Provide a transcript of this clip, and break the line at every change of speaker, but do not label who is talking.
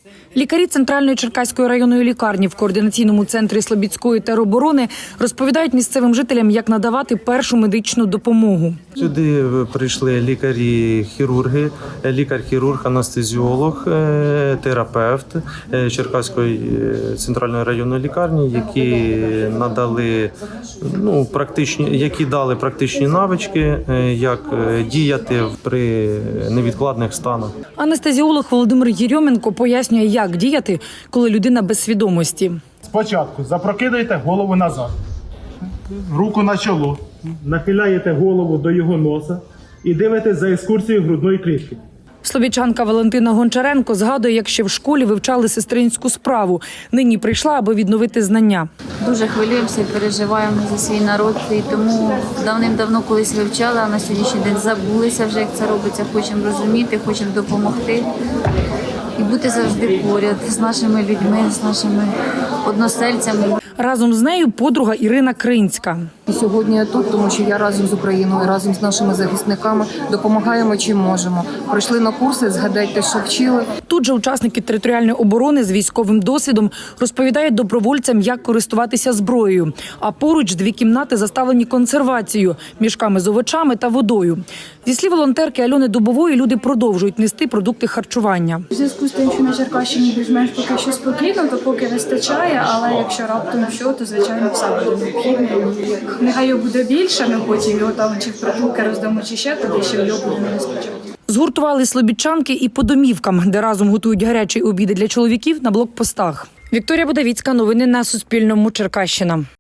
Лікарі Центральної Черкаської районної лікарні в координаційному центрі Слобідської тероборони розповідають місцевим жителям, як надавати першу медичну допомогу.
Сюди прийшли лікарі-хірурги, лікар-хірург, анестезіолог, терапевт Черкаської центральної районної лікарні, які надали які дали практичні навички, як діяти при невідкладних станах.
Анестезіолог Володимир Єрьоменко пояснює, як діяти, коли людина без свідомості.
Спочатку запрокидаєте голову назад, руку на чоло, нахиляєте голову до його носа і дивитесь за екскурсією грудної клітки.
Слобідчанка Валентина Гончаренко згадує, як ще в школі вивчали сестринську справу. Нині прийшла, аби відновити знання.
Дуже хвилюємося і переживаємо за свій народ. І тому давним-давно колись вивчали, а на сьогоднішній день забулися вже, як це робиться. Хочемо розуміти, хочемо допомогти і бути завжди поряд з нашими людьми, з нашими односельцями.
Разом з нею подруга Ірина Кринська.
Сьогодні я тут, тому що я разом з Україною, разом з нашими захисниками допомагаємо чим можемо. Прийшли на курси, згадайте, що вчили.
Тут же учасники територіальної оборони з військовим досвідом розповідають добровольцям, як користуватися зброєю. А поруч 2 кімнати заставлені консервацією, мішками з овочами та водою. Зі слів волонтерки Альони Дубової, люди продовжують нести продукти харчування.
У зв'язку з тим, що на Черкащині більш-менш поки що спокійно, то поки вистачає, але якщо раптом що, то звичайно все буде необхідно. Нехай його буде більше, ми потім його там чи в притулки роздамо, чи ще туди, що його буде не вистачати.
Згуртували слобідчанки і по домівкам, де разом готують гарячі обіди для чоловіків на блокпостах. Вікторія Будавіцька, новини на Суспільному, Черкащина.